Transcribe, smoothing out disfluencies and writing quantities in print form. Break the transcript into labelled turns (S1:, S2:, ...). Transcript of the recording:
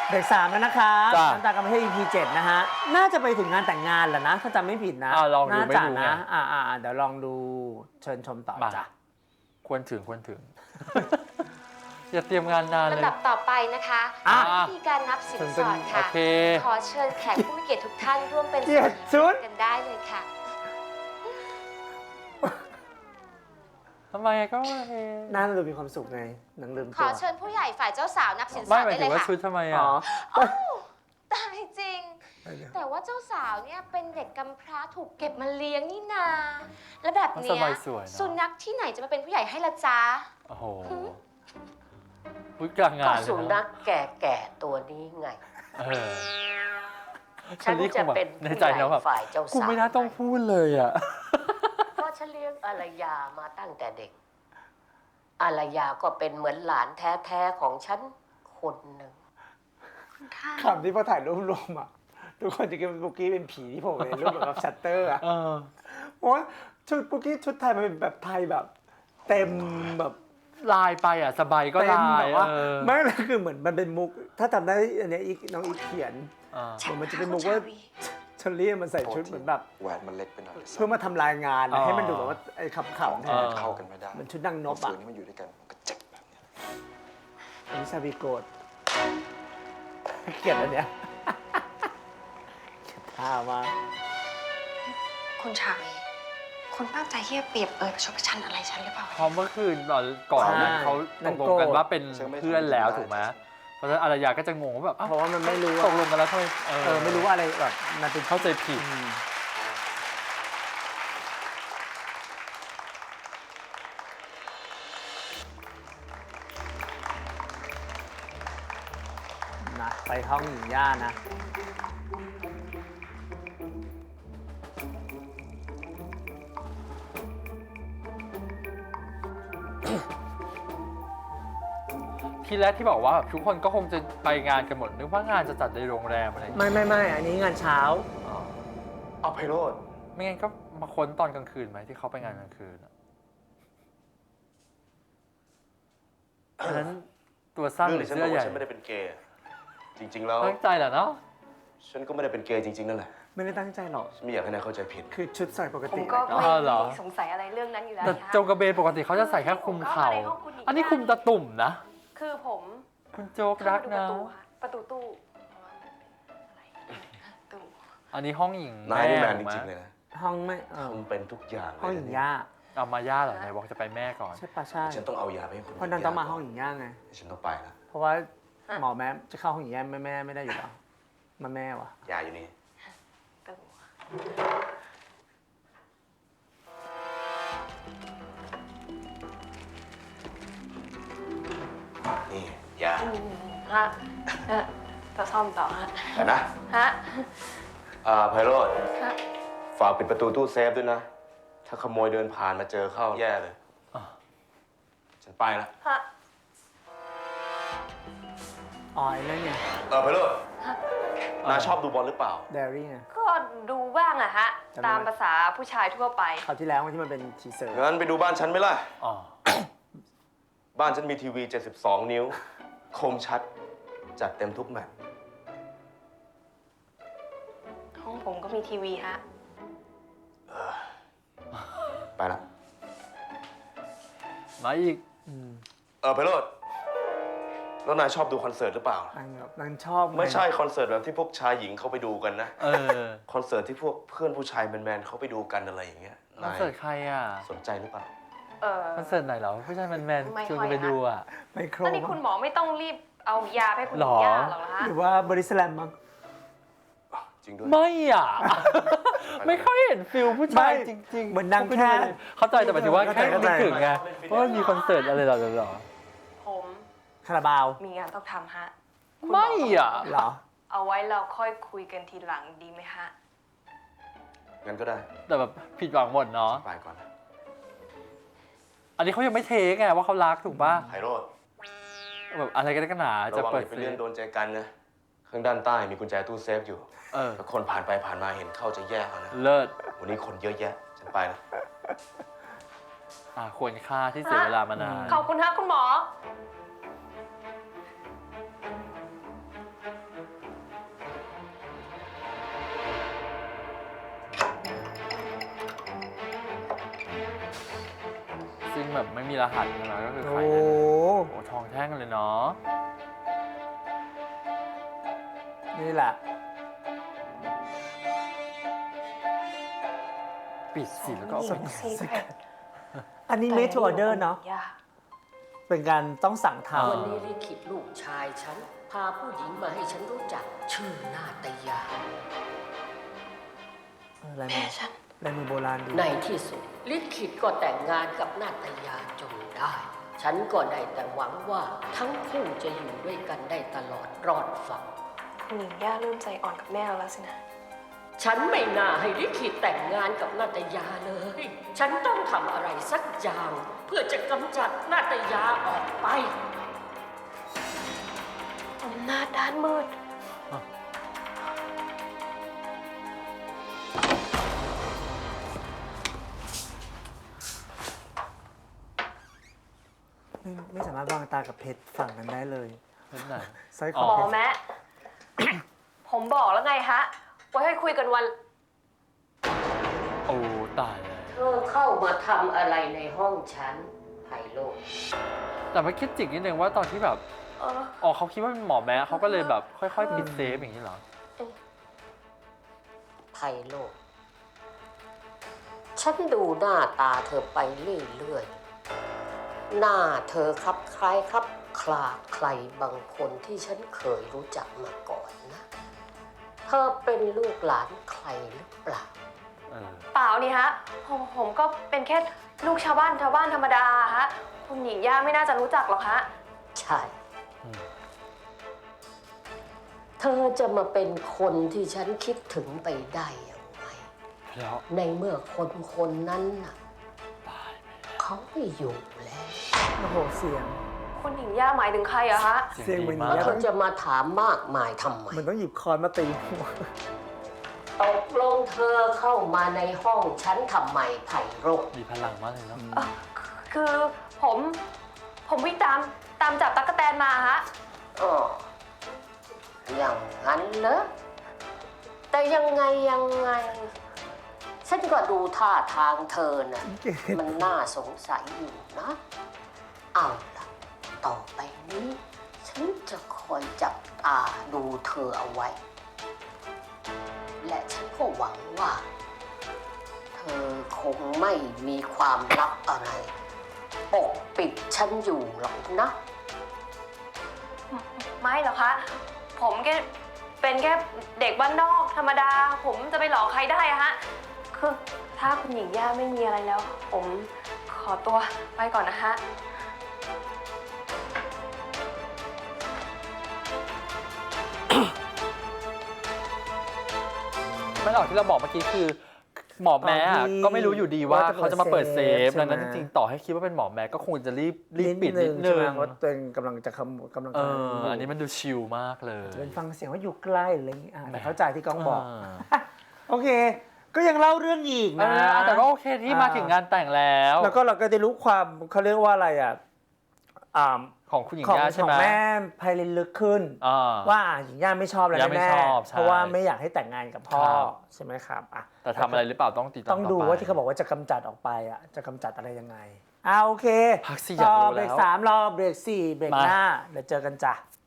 S1: เบรก3แล้วนะคะ
S2: จ้ะ
S1: น้ำตาลกำมะเทศ EP 7นะฮะ น่าจะไปถึงงานแต่งงานแหละนะ ถ้าจำไม่ผิดนะ
S2: ลองดู
S1: น่า
S2: ไม่
S1: จะ
S2: ดูไง
S1: นะเดี๋ยวลองดูเชิญชมต่อ
S2: มา
S1: จ้ะ
S2: ควรถึง อย่าเตรียมงานนานเลย
S3: ลำดับต่อไปนะคะ
S1: อ่ะ
S3: วิธีการนับสินสอด
S2: โอ
S3: ค่ะ
S2: เค
S3: ขอเชิญแขกผู้มีเกียรติทุกท่านร่วมเป็น
S1: เกียรติชุด
S3: กันได้เลยค่ะ
S2: ทำไมก็โอเค
S1: น่าจะดูมีความสุขไงหนังลืม
S3: ข
S1: ตั
S3: อ
S1: ว
S3: เชิญผู้ใหญ่ฝ่ายเจ้าสาวนับสินส
S2: ไม่
S3: อด
S2: หมาย
S3: ได้
S2: ถึ
S3: เล
S2: ง
S3: ย
S2: ว่า
S3: ค่ะ
S2: ชุดทำไม
S1: อ๋
S2: อ่ะ
S1: อ
S3: ตายจริง แต่ว่าเจ้าสาวเนี่ยเป็นเด็กกำพร้าถูกเก็บมาเลี้ยงนี่นา และแบบเนี้
S2: ส
S3: ย
S2: บายสวยเนอะ
S3: สุนัขที่ไหนจะมาเป็นผู้ใหญ่ให้ละจ๊ะ
S2: โอ้โหพูดกลางงา
S4: ก็
S2: นเลย
S4: สุ
S2: นะ
S4: นัขแก่ๆตัวนี้ไง
S2: เออ
S4: ฉัน
S2: นี่ค
S4: จะ
S2: งแบบ
S4: เป็น
S2: ใน
S4: ผู้
S2: ใจ
S4: ใหญ่
S2: นะแบบ
S4: ฝ่ายเจ้า
S2: กู
S4: สาว
S2: ไม่น่าต้องพูดเลยอ่ะ
S4: เพราะฉันเลี้ยงอารยามาตั้งแต่เด็ก อารยาก็เป็นเหมือนหลานแท้ๆของฉันคนหนึ่ง
S1: คำที่พอถ่ายรูปรวมอ่ะ ทุกคนจะคิดว่าปุกกี้เป็นผีที่ผมเห็นรูปแบบชัตเตอร์อ่ะ
S2: เออ
S1: เพราะว่าชุดปุกกี้ชุดไทยมันเป็นแบบไทยแบบ เต็มแบบ
S2: ลายไปอ่ะ สบายก็
S1: เต็ม
S2: ลา
S1: แบ
S2: ย
S1: บว่า
S2: เออ
S1: ไม่เลยคือเหมือนมันเป็นมุก ถ้าจำได้อันเนี้ยอีกน้องอีกเขียน
S2: อ่า
S1: เหมือนมันจะเป็นมุกว่าเชอรี่มันใส่ชุดเหมือนแบบ
S5: แหวนมันเล็กไปหน่อย
S1: เพื่อมาทำลายงาน
S2: อ๋อ
S1: ให้มันดูแบบว่าไอ้ขำๆแทน
S5: เข้ากันไม่ได้
S1: เหมือนชุดนางนพ
S5: ฝื
S1: อ่ะ
S5: นให้มันอยู่ด้วยกันมันก็เจ็บแบบเนี้ย
S1: อันนี้ชาบีโกดเกลียดอันเนี้ยเกลียดท่ามาก
S6: คุณชาวีคุณตั้งใจที่จะเปรียบประชดประชันอะไรฉันหรือเปล่า
S2: เพราะเมื่อคืนก่อนนั้นเขาตกลงกันว่าเป็นเพื่อนแล้วถูกไหมเพราะฉะนั้นอารยาก็จะงงว่าแบบอ้าว
S1: เพราะว่ามันไม่รู้
S2: ต
S1: อะ
S2: กลงกันแล้วทำไม
S1: ไม่รู้ว่าอะไรแบบมันเป็น
S2: เข้าใจผิด
S1: นะไปห้องหญิงย่านะ
S2: ทีแรกที่บอกว่าแบบทุกคนก็คงจะไปงานกันหมดนึกว่างานจะจัดในโรงแรมอะไรอย่างเงี้ย
S1: ไม่อันนี้งานเช้า
S2: อ๋อ
S5: เอาไพโรด
S2: ไม่งั้นก็มาค้นตอนกลางคืนไหมที่เขาไปงานกลางคืนอะอันนั้นตัวสั้นหรือ
S5: ฉัน
S2: เสื้
S5: บ
S2: อ
S5: อก
S2: ใหญ่
S5: ว่าฉันไม่ได้เป็นเกย์ จริง ๆ แล้ว
S2: ตั้งใจแหละเนาะ
S5: ฉันก็ไม่ได้เป็นเกย์จริง ๆ นั่นแหละ
S1: ไม่ได้ตั้งใจหรอก
S5: ฉันไม่อยากให้นายเข้าใจผิด
S1: คือชุดใส่ปก
S6: ผม
S1: ติ
S6: ก็
S1: เลย
S6: ไม่
S2: อ๋อเหรอ
S6: สงสัยอะไรเรื่องนั้นอยู่แล้ว
S2: แต่
S6: ค่ะ
S2: โจงกระเบนปกติเขาจะใส่แค่คลุมเข่า
S6: ผมก็มาในห้องคุณหญิง
S2: อันนี้คลุมตะตุ่มนะ
S6: คือผม
S2: คุณโจ๊กรัก
S6: เข้า
S2: นะ
S6: มาดูประตูตู้อะไรตู้
S2: อันนี้ห้องหญิง
S5: นายนี่แมน
S2: ถู
S5: จ
S2: กไหม
S5: ริง ๆ เลยนะ
S1: ห้องไม่
S5: ทำเป็นทุกอย่างเลย
S1: ห้องหญิงย่า
S2: เอามาย่าเหรอไหนบอกจะไปแม่ก่อน
S1: ใช่ปะใช่
S5: ฉันต้องเอายาไปให้คุณ
S1: เพราะนั้นต้องมาห้องหญิงย่าไง
S5: ฉันต้องไปแล้ว
S1: เพราะว่าหมอแม่จะเข้าห้องหญิงย่าแม่ไม่ได้อยู่แล้วมาแม่วะ
S5: ยาอยู่นี่
S6: ตู้
S5: นี่ยา
S6: ฮะจะซ่อมต่อฮะ
S5: แต่นะ
S6: ฮะ
S5: ไพโรด
S6: ฮะ
S5: ฝากปิดประตูตู้เซฟด้วยนะ ถ้าขโมยเดินผ่านมาเจอเข้าแย่เลย
S2: อ่ะ
S5: ฉันไปแล้ว
S6: ฮะ
S1: อ๋อไอ้นั่นไง
S5: ไพโรดนายชอบดูบอลหรือเปล่า
S1: เดรี่ไง
S6: ก็ดูบ้างอะฮะ
S1: จำได้ไหม
S6: ตามภาษาผู้ชายทั่วไป
S1: คราวที่แล้วที่มันเป็นทีเซอร์
S5: งั้นไปดูบ้านฉันไหมล่ะ
S2: อ๋อ
S5: บ้านฉันมีทีวี 72 นิ้ว คมชัด จัดเต็มทุกแมตช์
S6: ห้องผมก็มีทีวีฮะ
S5: ไปละ
S2: มาอีก
S5: ไพโรดแล้วนายชอบดูคอนเสิร์ตหรือเปล่า
S1: นางชอบง
S5: ไม่ใช่คอนเสิร์ตแบบที่พวกชายหญิงเขาไปดูกันนะ
S2: เออ
S5: คอนเสิร์ตที่พวกเพื่อนผู้ชายแมนๆเขาไปดูกันอะไรอย่างเงี้ย
S2: คอน
S5: นาย
S2: เสิร์ตใครอ่ะ
S5: สนใจหรือเปล่า
S2: คอนเสิร์ตไหนเหรอผู้ชายแมน
S6: ไม่
S2: ๆชวน
S6: ค่อย
S2: กันไป
S6: ฮะ
S2: ดูอ่ะ
S1: ไมโคร
S6: ตอนนี้คุณหมอไม่ต้องรีบเอายาให้คุณ
S2: หรอ
S6: ย่าหรอกนะฮะ
S1: หรือว่าบริสแลมมั้ง
S5: จริงด้วย
S2: ไม่อ่ะ ไม่ค่อยเห็นฟิลผู้ชายจริงๆ
S1: เหมือนนางแค่
S2: เข้าใจแต่หมายถึงว่าแค่
S1: เข้าใจ
S2: นึกถึงไงว่ามันมีคอนเสิร์ตอะไรหรอ
S6: ผม
S1: คาราบาว
S6: มีงานต้องทำฮะ
S2: ไม่อ่ะ
S1: เหรอ
S6: เอาไว้เราค่อยคุยกันทีหลังดีไหมฮะ
S5: งั้นก็ได้
S2: แต่แบบผิดหวังหมดเนาะ
S5: ไปก่อนนะ
S2: อันนี้เขายังไม่เทคไงว่าเขารักถูกป่ะ
S5: ไพโรด
S2: แบบอะไรกันกันหนา
S5: ระ
S2: จะ
S5: วัง
S2: เปิ
S5: อ
S2: ด
S5: ย่าไป
S2: ซื้
S5: เลื่
S2: อ
S5: อนโดนใจกันนะ ข้างด้านใต้มีกุญแจตู้เซฟอยู่
S2: เออ
S5: ถ้าคนผ่านไปผ่านมาเห็นเข้าจะแย่เอานะ
S2: เลิศ
S5: วันนี้คนเยอะแยะ ฉันไปแล้ว
S2: ควรค่าที่เสียเวลามานาน
S6: ขอบคุณฮะคุณหมอ
S2: ซึ่งแบบไม่มีรหัสใช่ไหมก็คือ
S1: โอ้
S2: ขายได้เลยโอ้ทองแท่งเลยเนาะ
S1: นี่แหละ
S2: ปิดสิแล้วก็เอาไป
S1: อันนี้ made to order เนาะเป็นการต้องสั่งท
S4: วันนี้ลิขิตลูกชายฉัน พาผู้หญิงมาให้ฉันรู้จัก ชื่อนาตยา
S1: ำลายมือลายมือโบราณดี
S4: ในที่สุด ลิขิตก็แต่งงานกับนาตยาจนได้ ฉันก็ได้แต่หวังว่าทั้งคู่จะอยู่ด้วยกันได้ตลอดรอดฝั่ง
S6: คุณหญิงย่าเริ่มใจอ่อนกับแม่แล้วสินะ
S4: ฉันไม่น่าให้ลิขิตแต่งงานกับนาตยาเลย ฉันต้องทำอะไรสักอย่าง เพื่อจะกำจัดนาตยาออกไป
S6: อำนาจด้านมืด
S1: ไม่สามารถวางตากับเพชรฝั่งนั้นได้เลย
S2: เป็นไหน
S1: สร้อยค
S2: อ๋
S1: อ
S2: อ
S1: เพ
S6: หมอ
S1: ชร
S6: แม่ ผมบอกแล้วไงฮะว่าให้คุยกันวัน
S2: โอ้ตายเลย
S4: เธอเข้ามาทำอะไรในห้องฉันไพโรจน์
S2: แต่ไม่คิดจิกนิดนึงว่าตอนที่แบบ
S6: เออ
S2: อ๋อเขาคิดว่าเป็นหมอแม้เขาก็เลยแบบค่อยๆปิดเซฟอย่างนี้เหรอ
S4: ไพโรจน์ฉันดูหน้าตาเธอไปเรื่อยๆ หน้าเธอครับคล้ายครับคลาใครบางคนที่ฉันเคยรู้จักมาก่อนนะ เธอเป็นลูกหลานใครหรือเปล่า
S2: เออ
S6: เปล่านี่ฮะ ผมก็เป็นแค่ลูกชาวบ้านธรรมดาฮะ คุณหญิงย่าไม่น่าจะรู้จักหรอกฮะ
S4: ใช่
S2: อืม
S4: เธอจะมาเป็นคนที่ฉันคิดถึงไปได้อย่างไร
S2: แล้ว
S4: ในเมื่อคนนั้นน่ะ
S2: ตายไป
S4: เขาไม่อยู่แล้ว
S1: โอ้โหเสียง
S6: คุณหญิงย่าหมายถึงใครอะฮะ
S1: เสียงเหมือน
S2: ดี
S4: แล้ว
S2: มาก
S4: เธอจะมาถามมากมายทำไม
S1: เหมือนต้องหยิบคอนมาตีหัว
S4: ตกลงเธอเข้ามาในห้องฉันทำไมไพโรจน์
S2: มีพลังมากเลยเนาะ
S6: คือผมวิ่งตามจับตั๊กแตนมาฮะ
S4: อ๋ออย่างนั้นเหรอแต่ยังไง ฉันก็ดูท่าทางเธอน่ะ มันน่าสงสัยอยู่นะ เอาล่ะ ต่อไปนี้ ฉันจะคอยจับตาดูเธอเอาไว้ และฉันก็หวังว่า เธอคงไม่มีความลับอะไร ปกปิดฉันอยู่หรอกนะ
S6: ไม่หรอกคะ ผมแค่เป็นแค่เด็กบ้านนอกธรรมดา ผมจะไปหลอกใครได้อะฮะ คือถ้าคุณหญิงย่าไม่มีอะไรแล้ว ผมขอตัวไปก่อนนะฮะ
S2: ไม่หรอกที่เราบอกเมื่อกี้คือ หมอแม้อะก็ไม่รู้อยู่ดีว่าเขาจะมาเปิดเซฟดังนั้นจริงๆต่อให้คิดว่าเป็นหมอแม้ก็คงจะรีบปิดนิดนึ
S1: ใช่ไหม
S2: ง
S1: เพราะตัวเองกำลังจะกำลัง
S2: อันนี้มันดูชิลมากเลย
S1: เป็นฟังเสียงว่าอยู่ใกล้อะไรอย่างงี้แต่เข้าใจที่ก้องบอก
S2: า
S1: โอเค ก็ยังเล่าเรื่องอีกนะ
S2: แต่ก็โอเคที่มาถึงงานแต่งแล้ว
S1: แล้วก็เราก็ได้รู้ความเขาเรียกว่าอะไรอ่ะ
S2: ของคุณหญิง
S1: ของ
S2: ย่าใช่
S1: ของ
S2: ไหม
S1: แม่ไพลินลึกขึ้น ว่าหญิงย่าไม่ชอบแล้ว
S2: ย่าไม่
S1: แน่
S2: ชอบใช่
S1: เพราะว่าไม่อยากให้แต่งงานกับพ่อ
S2: ครับ
S1: ใช่ไหมครับอ่ะ
S2: แต่ทำอะไรหรือเปล่าต้องติดตาม
S1: ต้องดู
S2: ต่ไป
S1: ว่าที่เขาบอกว่าจะกำจัดออกไปอ่ะจะกำจัดอะไรยังไงโอเค
S2: พักสิอยากรู้
S1: เบร
S2: แล้
S1: ก
S2: ว
S1: 3รอเบรก4เบรกหน้าเดี๋ยวเจอกันจ้ะ